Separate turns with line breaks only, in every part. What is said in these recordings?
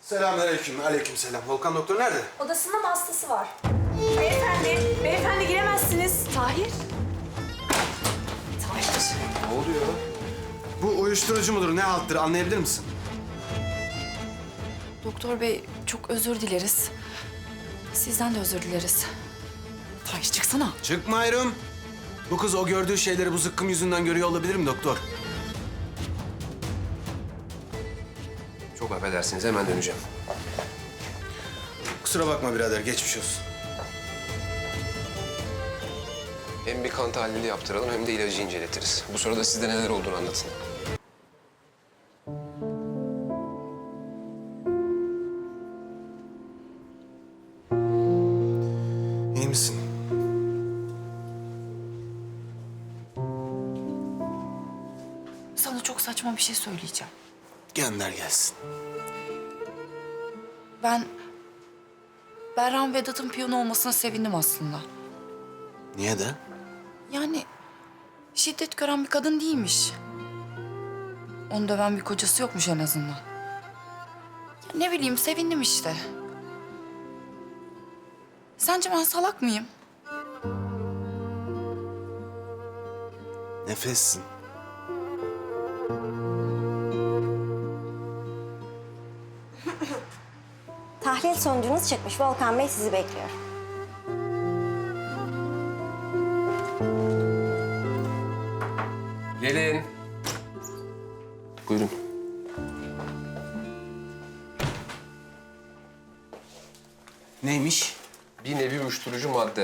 Selamünaleyküm. Aleykümselam. Volkan doktor nerede?
Odasında mı hastası var? Beyefendi giremezsiniz. Tahir.
Ne oluyor? Bu uyuşturucu mudur, ne halttır anlayabilir misin?
Doktor bey çok özür dileriz. Sizden de özür dileriz. Tahir çıksana.
Çıkmıyorum. Bu kız o gördüğü şeyleri bu zıkkım yüzünden görüyor olabilir mi doktor?
Çok affedersiniz, hemen döneceğim.
Kusura bakma birader, geçmiş olsun.
Hem bir kan tahlili yaptıralım hem de ilacı inceletiriz. Bu sırada sizde neler olduğunu anlatın.
İyi misin?
Sana çok saçma bir şey söyleyeceğim.
Gönder gelsin.
Ben Berran Vedat'ın piyano olmasına sevindim aslında.
Niye de?
Yani şiddet gören bir kadın değilmiş. Onu döven bir kocası yokmuş en azından. Ya ne bileyim sevindim işte. Sence ben salak mıyım?
Nefessin.
Tahlil sonucunuz çıkmış. Volkan Bey sizi bekliyor.
Gelin. Buyurun.
Neymiş?
Bir nevi uyuşturucu madde.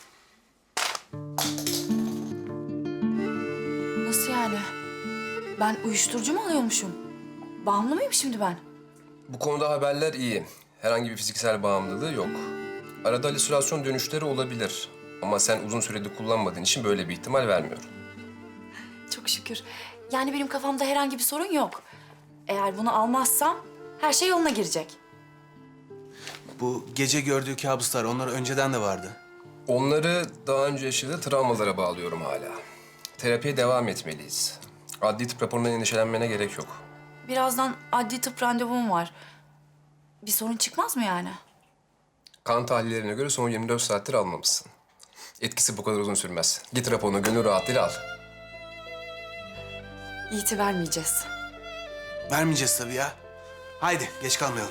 Nasıl yani? Ben uyuşturucu mu alıyormuşum? Bağımlı mıyım şimdi ben?
Bu konuda haberler iyi. Herhangi bir fiziksel bağımlılığı yok. Arada halüsinasyon dönüşleri olabilir. Ama sen uzun süredir kullanmadığın için böyle bir ihtimal vermiyorum.
Çok şükür. Yani benim kafamda herhangi bir sorun yok. Eğer bunu almazsam her şey yoluna girecek.
Bu gece gördüğü kabuslar, onlar önceden de vardı.
Onları daha önce yaşadığı travmalara bağlıyorum hala. Terapiye devam etmeliyiz. Adli tıp raporundan endişelenmene gerek yok.
Birazdan adli tıp randevum var. Bir sorun çıkmaz mı yani?
Kan tahlillerine göre son 24 saattir almamışsın. Etkisi bu kadar uzun sürmez. Git raporunu gönül rahatlığıyla al.
Yiğit'i vermeyeceğiz.
Vermeyeceğiz tabii ya. Haydi, geç kalmayalım.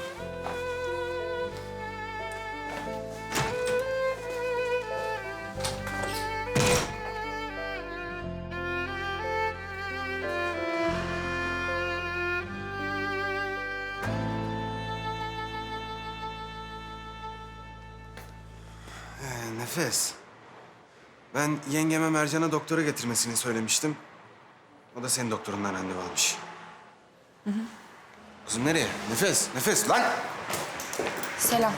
Nefes. Ben yengeme Mercan'a doktora getirmesini söylemiştim. O da senin doktorundan randevu almış. Kızım nereye? Nefes, nefes lan!
Selam.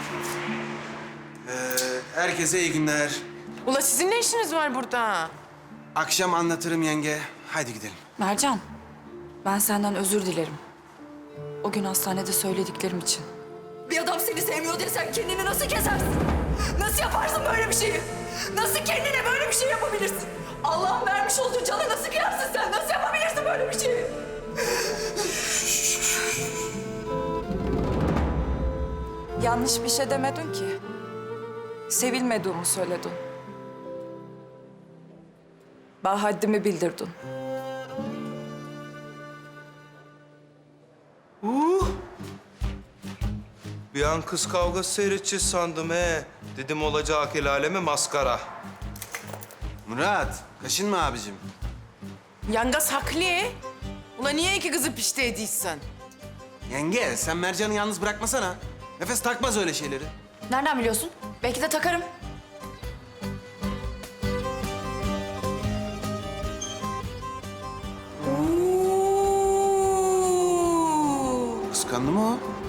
Herkese iyi günler.
Ula sizin ne işiniz var burada?
Akşam anlatırım yenge. Haydi gidelim.
Mercan, ben senden özür dilerim. O gün hastanede söylediklerim için.
Bir adam seni sevmiyor diye sen kendini nasıl kesersin? Nasıl yaparsın böyle bir şeyi? Nasıl kendine böyle bir şey yapabilirsin? Allah'ın vermiş olduğu canı nasıl kıyarsın sen? Nasıl yapabilirsin böyle bir şeyi?
Yanlış bir şey demedin ki. Sevilmediğimi söyledin. Bana haddimi bildirdin.
Bir an kız kavgası seyredeceğiz sandım he. Dedim olacak el aleme maskara.
Murat, kaşınma abicim.
Yangas haklı. Ula niye iki kızı pişti ediysen?
Yenge, sen Mercan'ı yalnız bırakmasana. Nefes takmaz öyle şeyleri.
Nereden biliyorsun? Belki de takarım.
Kıskandı mı o?